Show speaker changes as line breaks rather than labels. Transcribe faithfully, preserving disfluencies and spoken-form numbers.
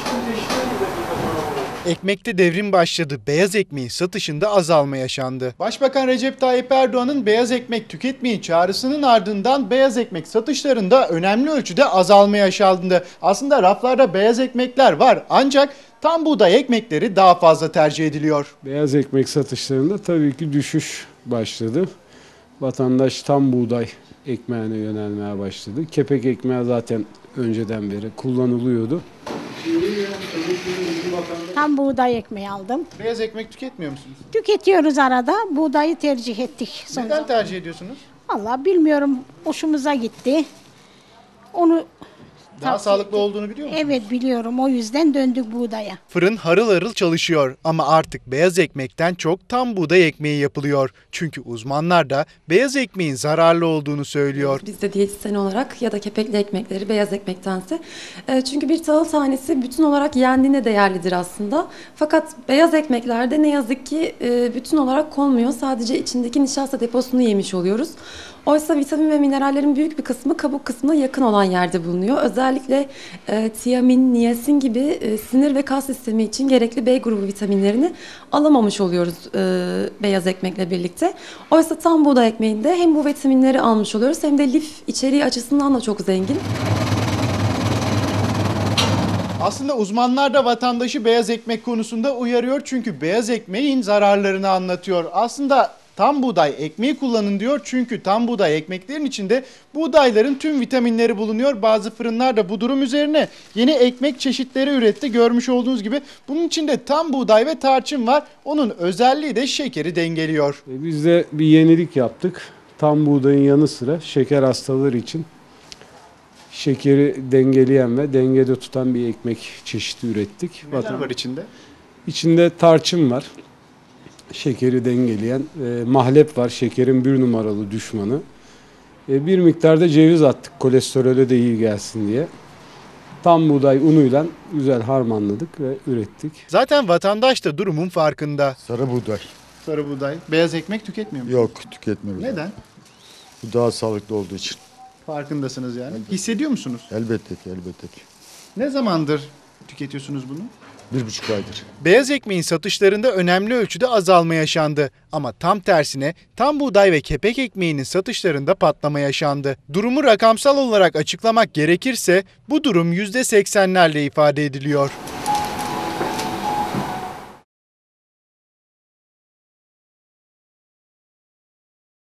Ekmekte devrim başladı. Beyaz ekmeğin satışında azalma yaşandı. Başbakan Recep Tayyip Erdoğan'ın beyaz ekmek tüketmeyin çağrısının ardından beyaz ekmek satışlarında önemli ölçüde azalma yaşandı. Aslında raflarda beyaz ekmekler var ancak tam buğday ekmekleri daha fazla tercih ediliyor.
Beyaz ekmek satışlarında tabii ki düşüş başladı. Vatandaş tam buğday ekmeğine yönelmeye başladı. Kepek ekmeği zaten önceden beri kullanılıyordu.
Tam buğday ekmeği aldım.
Beyaz ekmek tüketmiyor musunuz?
Tüketiyoruz arada. Buğdayı tercih ettik. Son
Neden tercih ediyorsunuz?
Vallahi bilmiyorum. Hoşumuza gitti. Onu
Daha
tavsiye
sağlıklı
ettik.
olduğunu biliyor musunuz?
Evet biliyorum. O yüzden döndük buğdaya.
Fırın harıl harıl çalışıyor ama artık beyaz ekmekten çok tam buğday ekmeği yapılıyor. Çünkü uzmanlar da beyaz ekmeğin zararlı olduğunu söylüyor.
Biz de diyetisyen olarak ya da kepekli ekmekleri beyaz ekmektense. E, çünkü bir tahıl tanesi bütün olarak yendiğinde değerlidir aslında. Fakat beyaz ekmeklerde ne yazık ki e, bütün olarak konmuyor. Sadece içindeki nişasta deposunu yemiş oluyoruz. Oysa vitamin ve minerallerin büyük bir kısmı kabuk kısmına yakın olan yerde bulunuyor. Özellikle e, tiamin, niyasin gibi e, sinir ve kas sistemi için gerekli B grubu vitaminlerini alamamış oluyoruz e, beyaz ekmekle birlikte. Oysa tam buğday ekmeğinde hem bu vitaminleri almış oluyoruz hem de lif içeriği açısından da çok zengin.
Aslında uzmanlar da vatandaşı beyaz ekmek konusunda uyarıyor çünkü beyaz ekmeğin zararlarını anlatıyor. Aslında tam buğday ekmeği kullanın diyor çünkü tam buğday ekmeklerin içinde buğdayların tüm vitaminleri bulunuyor. Bazı fırınlar da bu durum üzerine yeni ekmek çeşitleri üretti. Görmüş olduğunuz gibi bunun içinde tam buğday ve tarçın var. Onun özelliği de şekeri dengeliyor.
Biz de bir yenilik yaptık. Tam buğdayın yanı sıra şeker hastaları için şekeri dengeleyen ve dengede tutan bir ekmek çeşidi ürettik.
Neler var içinde?
İçinde tarçın var. Şekeri dengeleyen, e, mahlep var, şekerin bir numaralı düşmanı. E, bir miktarda ceviz attık, kolesterole de iyi gelsin diye. Tam buğday unuyla güzel harmanladık ve ürettik.
Zaten vatandaş da durumun farkında.
Sarı buğday.
Sarı buğday. Beyaz ekmek tüketmiyor musunuz?
Yok, tüketmiyoruz.
Neden?
Bu daha sağlıklı olduğu için.
Farkındasınız yani. Hissediyor musunuz?
Elbette ki, elbette ki.
Ne zamandır tüketiyorsunuz bunu?
Bir buçuk aydır.
Beyaz ekmeğin satışlarında önemli ölçüde azalma yaşandı. Ama tam tersine tam buğday ve kepek ekmeğinin satışlarında patlama yaşandı. Durumu rakamsal olarak açıklamak gerekirse bu durum yüzde seksenlerle ifade ediliyor.